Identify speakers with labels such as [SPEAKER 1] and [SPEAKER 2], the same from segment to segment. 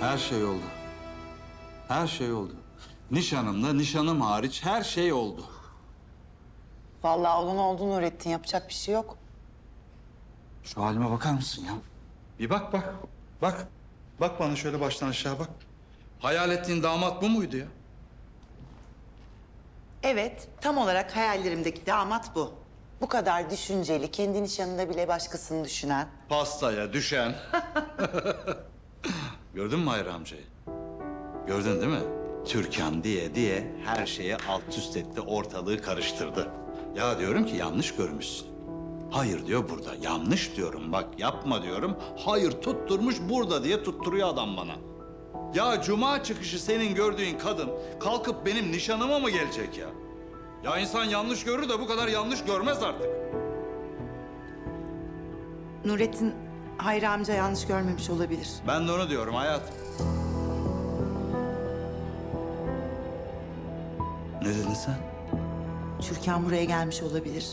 [SPEAKER 1] Her şey oldu. Her şey oldu. Nişanımla nişanım hariç her şey oldu.
[SPEAKER 2] Vallahi olan oldu Nurettin. Yapacak bir şey yok.
[SPEAKER 1] Şu halime bakar mısın ya? Bir bak bak. Bak. Bak bana şöyle baştan aşağı bak. Hayal ettiğin damat bu muydu ya?
[SPEAKER 2] Evet, tam olarak hayallerimdeki damat bu. Bu kadar düşünceli, kendi nişanında bile başkasını düşünen.
[SPEAKER 1] Pastaya düşen. Gördün mü Hayri amcayı? Gördün değil mi? Türkan diye her şeye alt üst etti, ortalığı karıştırdı. Ya diyorum ki yanlış görmüşsün. Hayır diyor burada. Yanlış diyorum bak yapma diyorum. Hayır tutturmuş burada diye tutturuyor adam bana. Ya cuma çıkışı senin gördüğün kadın kalkıp benim nişanıma mı gelecek ya? Ya insan yanlış görür de bu kadar yanlış görmez artık.
[SPEAKER 2] Nurettin, Hayri amca yanlış görmemiş olabilir.
[SPEAKER 1] Ben de onu diyorum hayat. Ne dedin sen?
[SPEAKER 2] Türkan buraya gelmiş olabilir.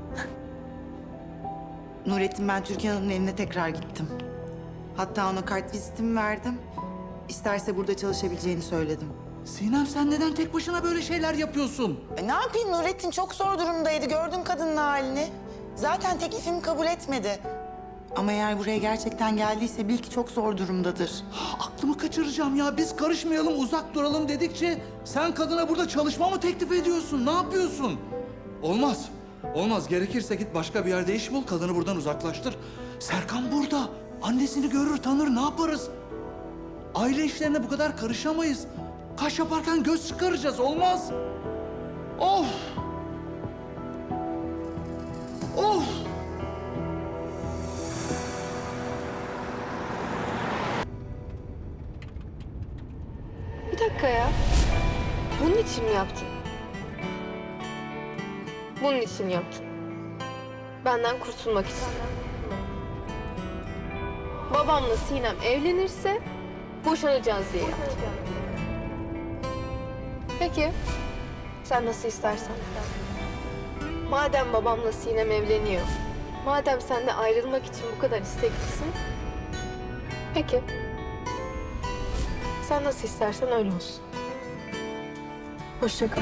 [SPEAKER 2] Nurettin, ben Türkan Hanım'ın evine tekrar gittim. Hatta ona kart vizitimi verdim. İsterse burada çalışabileceğini söyledim.
[SPEAKER 1] Sinem sen neden tek başına böyle şeyler yapıyorsun?
[SPEAKER 2] Ne yapayım Nurettin? Çok zor durumdaydı. Gördün kadının halini. Zaten teklifimi kabul etmedi. Ama eğer buraya gerçekten geldiyse bil ki çok zor durumdadır.
[SPEAKER 1] Aklımı kaçıracağım ya. Biz karışmayalım, uzak duralım dedikçe sen kadına burada çalışma mı teklif ediyorsun? Ne yapıyorsun? Olmaz. Olmaz. Gerekirse git başka bir yerde iş bul. Kadını buradan uzaklaştır. Serkan burada. Annesini görür, tanır. Ne yaparız? Aile işlerine bu kadar karışamayız. Kaş yaparken göz çıkaracağız. Olmaz. Of! Of!
[SPEAKER 3] Bir dakika ya. Bunun için mi yaptın? Bunun için yaptın. Benden kurtulmak için. Babamla Sinem evlenirse boşanacağız diye yaptın. Peki. Sen nasıl istersen. Madem babamla Sinem evleniyor, madem sen de ayrılmak için bu kadar isteklisin, peki. Sen nasıl istersen öyle olsun. Hoşça kal.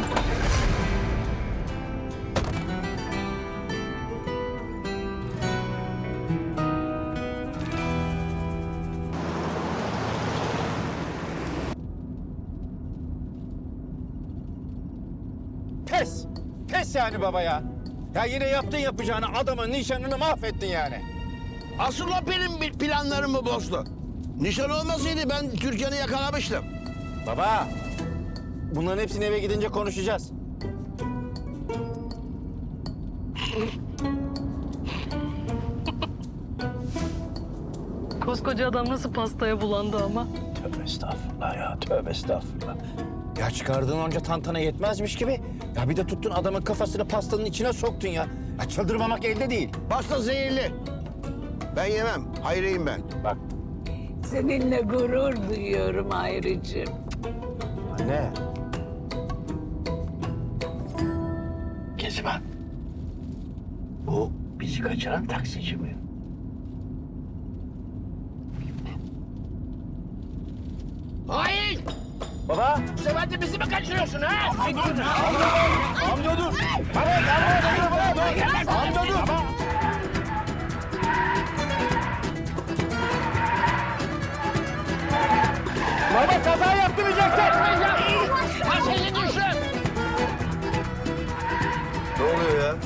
[SPEAKER 4] Pes. Pes yani baba ya. Ya yine yaptın yapacağını, adamın nişanını mahvettin yani.
[SPEAKER 5] Asıl o benim planlarımı bozdu. Nişan olmasaydı ben Türkan'ı yakalamıştım.
[SPEAKER 4] Baba, bunların hepsini eve gidince konuşacağız.
[SPEAKER 6] Koskoca adam nasıl pastaya bulandı ama.
[SPEAKER 4] Tövbe estağfurullah ya, tövbe estağfurullah. Ya çıkardığın onca tantana yetmezmiş gibi. Ya bir de tuttun adamın kafasını pastanın içine soktun ya. Ya çıldırmamak elde değil.
[SPEAKER 5] Pasta zehirli. Ben yemem. Hayriyim ben.
[SPEAKER 4] Bak
[SPEAKER 7] Seninle gurur duyuyorum Hayricim.
[SPEAKER 4] anne.
[SPEAKER 5] Kezban. Bu bizi kaçıran taksici mi? Hayır!
[SPEAKER 4] Baba.
[SPEAKER 5] Bu sefer de bizi mi kaçırıyorsun ha?
[SPEAKER 4] Amca dur. Baba, amca dur. Baba kaza yaptıracaksın.
[SPEAKER 5] Masayı düşün! Ne oluyor ya?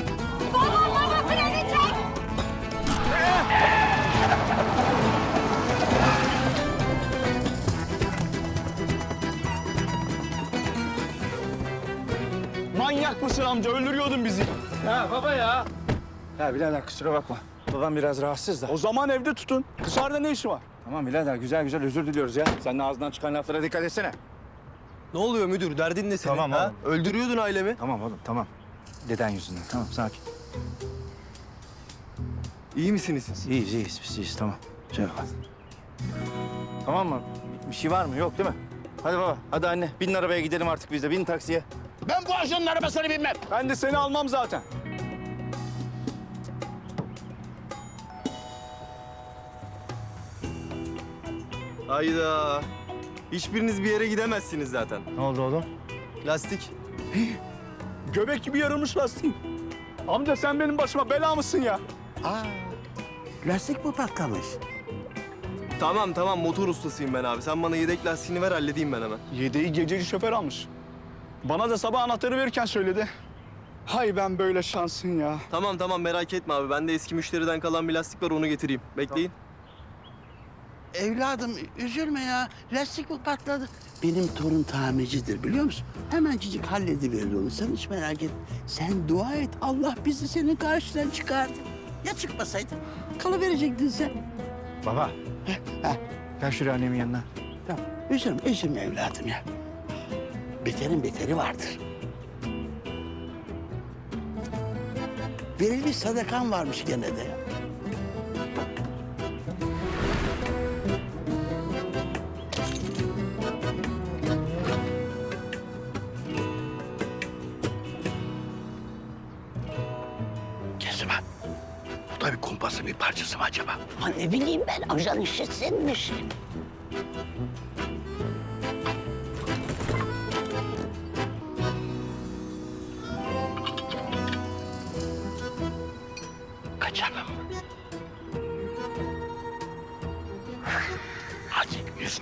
[SPEAKER 4] Manyak mısın amca? Öldürüyordun bizi. Ha baba ya. Ya birader kusura bakma. Babam biraz rahatsız da. O zaman evde tutun. Dışarıda ne işi var? Tamam birader güzel güzel özür diliyoruz ya. Sen de ağzından çıkan laflara dikkat etsene.
[SPEAKER 8] Ne oluyor müdür? Derdin ne senin?
[SPEAKER 4] Tamam
[SPEAKER 8] ha?
[SPEAKER 4] oğlum.
[SPEAKER 8] Öldürüyordun ailemi.
[SPEAKER 4] Tamam oğlum tamam. Deden yüzünden. Tamam sakin.
[SPEAKER 8] İyi misiniz siz?
[SPEAKER 4] İyiyiz iyiyiz biz iyiyiz tamam. Şey yapalım. Tamam mı? Bir şey var mı? Yok değil mi? Hadi baba hadi anne binin arabaya gidelim artık biz de. Binin taksiye.
[SPEAKER 5] Ben bu ajanın arabasına binmem.
[SPEAKER 4] Ben de seni almam zaten.
[SPEAKER 8] Hayda. Hiçbiriniz bir yere gidemezsiniz zaten.
[SPEAKER 4] Ne oldu oğlum?
[SPEAKER 8] Lastik.
[SPEAKER 4] Göbek gibi yarılmış lastiğin. Amca sen benim başıma bela mısın ya?
[SPEAKER 5] Aa, lastik mi patlamış?
[SPEAKER 8] Tamam motor ustasıyım ben abi. Sen bana yedek lastiğini ver halledeyim ben hemen.
[SPEAKER 4] Yedeği gececi şoför almış. Bana da sabah anahtarı verirken söyledi. Hay ben böyle şansın ya.
[SPEAKER 8] Tamam merak etme abi. Bende eski müşteriden kalan bir lastik var onu getireyim. Bekleyin.
[SPEAKER 5] Evladım üzülme ya. Lastik mi patladı? Benim torun tamircidir biliyor musun? Hemencik hallediverir onu. Sen hiç merak etme. Sen dua et. Allah bizi senin karşıdan çıkardı. Ya çıkmasaydı? Kalıverecektin sen.
[SPEAKER 4] Baba.
[SPEAKER 5] Ha,
[SPEAKER 4] Gel şuraya annemin yanına.
[SPEAKER 5] tamam. Üzülme evladım ya. Beterin beteri vardır. Verilmiş sadakan varmış gene de. Kezban, bu da bir kumpasın bir parçası mı acaba?
[SPEAKER 7] Ha, ne bileyim ben, ajan işletsinmiş.
[SPEAKER 5] Kaçalım. Hadi yürü.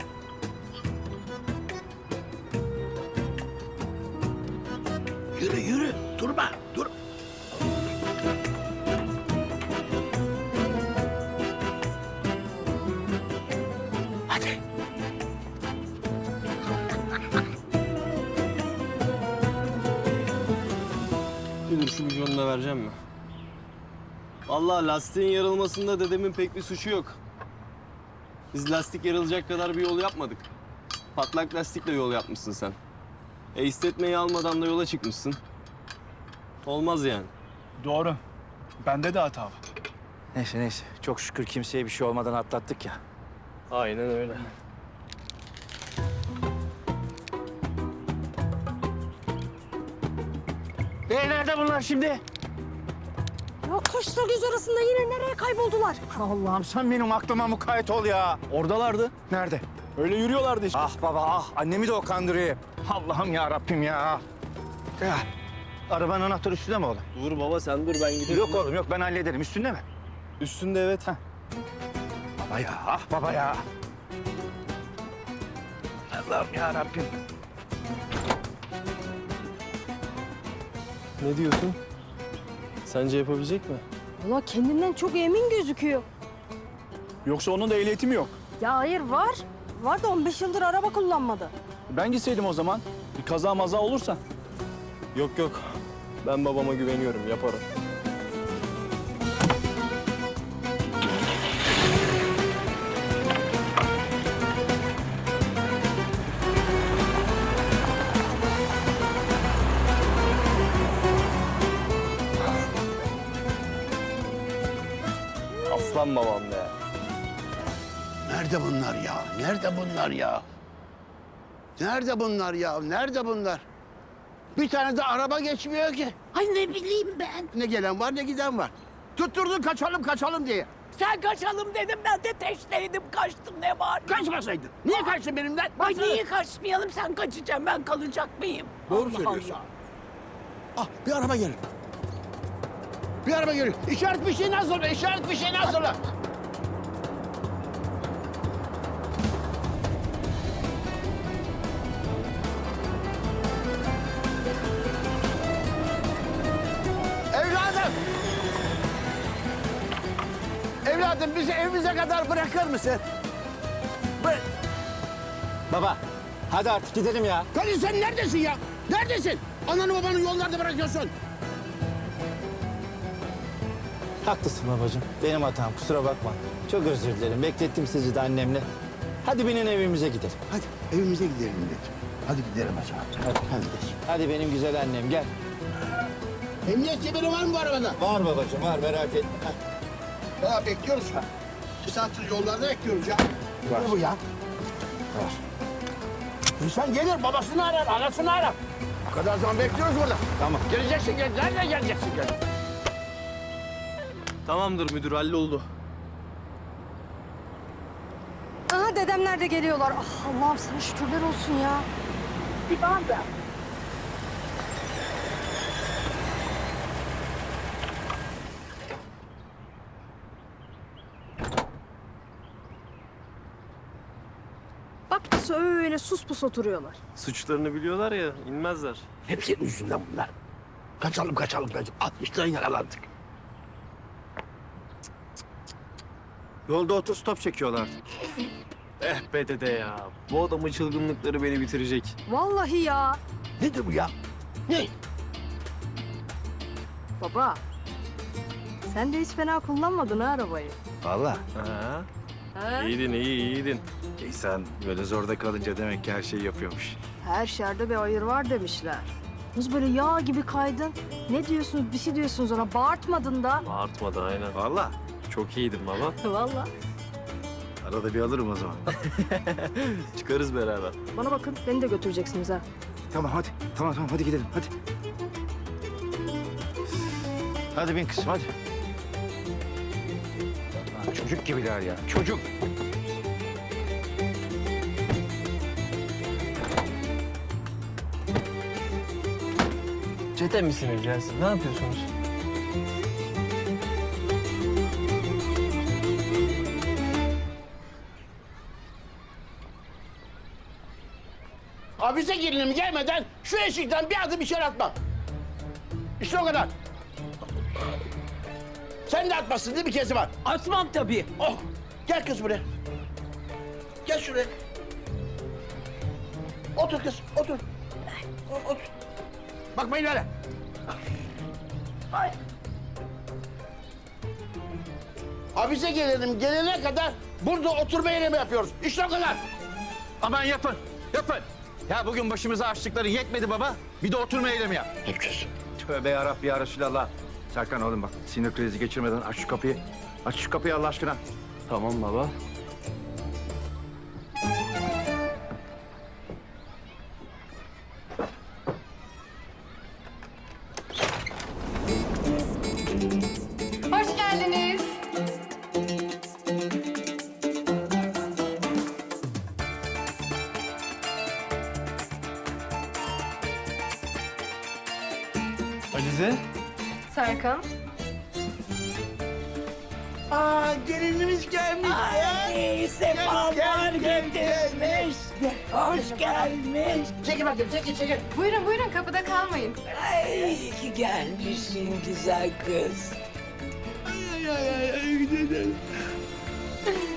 [SPEAKER 5] Yürü, durma, dur. Hadi.
[SPEAKER 8] Müdür şu milyonu da vereceğim mi? Vallahi lastiğin yarılmasında dedemin pek bir suçu yok. Biz lastik yarılacak kadar bir yol yapmadık. Patlak lastikle yol yapmışsın sen. İstetmeyi almadan da yola çıkmışsın. Olmaz yani.
[SPEAKER 4] Doğru. Bende de hata var. Neyse. Çok şükür kimseye bir şey olmadan atlattık ya.
[SPEAKER 8] Aynen öyle.
[SPEAKER 4] Nerede bunlar şimdi?
[SPEAKER 6] Ya kaşla göz arasında yine nereye kayboldular?
[SPEAKER 4] Allah'ım sen benim aklıma mukayyet ol ya. Oradalardı. Nerede? Öyle yürüyorlardı işte. Ah baba ah. Annemi de o kandırıyor. Allah'ım ya Rabbim ya. Ya. Arabanın anahtarı üstünde mi oğlum?
[SPEAKER 8] Dur baba sen dur ben giderim.
[SPEAKER 4] Yok oğlum yok ben hallederim. Üstünde mi?
[SPEAKER 8] Üstünde evet.
[SPEAKER 4] Baba ya ah baba ya. Allah'ım ya Rabbim.
[SPEAKER 8] Ne diyorsun? Sence yapabilecek mi?
[SPEAKER 6] Valla kendinden çok emin gözüküyor.
[SPEAKER 4] Yoksa onun da ehliyeti mi yok?
[SPEAKER 6] Ya hayır var. Var da 15 yıldır araba kullanmadı.
[SPEAKER 4] Ben gitseydim o zaman. Bir kaza maza olursa.
[SPEAKER 8] Yok. Ben babama güveniyorum yaparım. Aslan babam be.
[SPEAKER 5] Nerede bunlar ya? Nerede bunlar ya? Nerede bunlar ya? Nerede bunlar? Bir tane de araba geçmiyor ki.
[SPEAKER 7] Ay ne bileyim ben.
[SPEAKER 5] Ne gelen var ne giden var. Tutturdun kaçalım diye.
[SPEAKER 7] Sen kaçalım dedim, ben de teşneydim, kaçtım, ne var?
[SPEAKER 5] Kaçmasaydın. Niye kaçtın benimden?
[SPEAKER 7] Ay niye kaçmayalım, sen kaçacaksın, ben kalacak mıyım?
[SPEAKER 5] Doğru
[SPEAKER 7] Allah
[SPEAKER 5] söylüyorsun.
[SPEAKER 7] Allah.
[SPEAKER 5] Ah bir araba geliyor. Bir araba geliyor. İşaret fişeğini hazırla. İşaret fişeğini hazırla. Evladım. Evladım bizi evimize kadar bırakır mısın?
[SPEAKER 4] Baba hadi artık gidelim ya.
[SPEAKER 5] Kadın sen neredesin ya? Neredesin? Ananı babanı yollarda bırakıyorsun.
[SPEAKER 9] Haklısın babacığım. Benim hatam. Kusura bakma. Çok özür dilerim. Beklettim sizi de annemle. Hadi binin evimize gidelim.
[SPEAKER 5] Hadi evimize gidelim dedim. Hadi gidelim o zaman. Hadi gidelim.
[SPEAKER 9] Hadi benim güzel annem gel.
[SPEAKER 5] Emniyet kemeri var mı bu arabada?
[SPEAKER 9] Var babacığım var merak etme.
[SPEAKER 5] Ya bekliyoruz. Bir saattir yollarda bekliyoruz ya. Ne bu ya?
[SPEAKER 9] Var.
[SPEAKER 5] İnsan gelir babasını arar, anasını arar. O kadar zaman bekliyoruz burada.
[SPEAKER 9] Tamam.
[SPEAKER 5] Geleceksin, nerede geleceksin?
[SPEAKER 8] Tamamdır müdür halloldu.
[SPEAKER 6] Aha dede dedemler de geliyorlar. Ah Allah'ım sana şükürler olsun ya. Bak nasıl öyle sus pus oturuyorlar.
[SPEAKER 8] Suçlarını biliyorlar ya, inmezler.
[SPEAKER 5] Hep senin yüzünden bunlar. Kaçalım. 60'tan yakalandık.
[SPEAKER 4] Yolda otostop çekiyorlar.
[SPEAKER 8] Eh be dede ya. Bu adamın çılgınlıkları beni bitirecek.
[SPEAKER 6] Vallahi ya.
[SPEAKER 5] Nedir bu ya? Ne?
[SPEAKER 6] Baba. Sen de hiç fena kullanmadın ha arabayı.
[SPEAKER 4] Vallahi.
[SPEAKER 8] Ha.
[SPEAKER 6] Ha?
[SPEAKER 8] İyiydin.
[SPEAKER 4] İnsan böyle zorda kalınca demek ki her şeyi yapıyormuş.
[SPEAKER 6] Her şerde bir hayır var demişler. Kız böyle yağ gibi kaydın. Ne diyorsunuz, bir şey diyorsunuz ona. Bağırtmadın da.
[SPEAKER 8] Artmadı aynen.
[SPEAKER 4] Vallahi.
[SPEAKER 8] Çok iyiydin baba.
[SPEAKER 6] Vallahi.
[SPEAKER 4] Arada bir alırım o zaman.
[SPEAKER 8] Çıkarız beraber.
[SPEAKER 6] Bana bakın, beni de götüreceksiniz ha.
[SPEAKER 4] Tamam hadi. Tamam hadi gidelim hadi. Hadi bin kızım hadi. Lan çocuk gibiler ya. Çocuk.
[SPEAKER 8] Çete misiniz ya siz? Ne yapıyorsunuz?
[SPEAKER 5] Hapise gelinim gelmeden şu eşikten bir adım içeri atma. İşte o kadar. Sen de atmasın değil mi Kezban?
[SPEAKER 7] Atmam tabii.
[SPEAKER 5] Oh, gel kız buraya. Gel şuraya. Otur kız, otur. Otur. Bakmayın öyle. Ay. Hapise gelelim gelene kadar burada oturma eylemi yapıyoruz. İşte o kadar.
[SPEAKER 4] Aman yapın. Ya bugün başımıza açtıkları yetmedi baba. Bir de oturma eylemi yap.
[SPEAKER 5] Yapacağız.
[SPEAKER 4] Tövbe yarabbi ya Resulallah. Serkan oğlum bak sinir krizi geçirmeden aç şu kapıyı. Aç şu kapıyı Allah aşkına.
[SPEAKER 8] Tamam baba.
[SPEAKER 3] Hoş geldiniz.
[SPEAKER 8] Alize.
[SPEAKER 3] Serkan.
[SPEAKER 5] Aa, gelinimiz gelmiş.
[SPEAKER 7] Ay sefalar getirmiş. Hoş gelmiş.
[SPEAKER 5] Çekil bakayım, çekil.
[SPEAKER 3] Buyurun buyurun kapıda kalmayın.
[SPEAKER 7] Ay iyi ki gelmişsin güzel kız.
[SPEAKER 5] Ay, gidelim.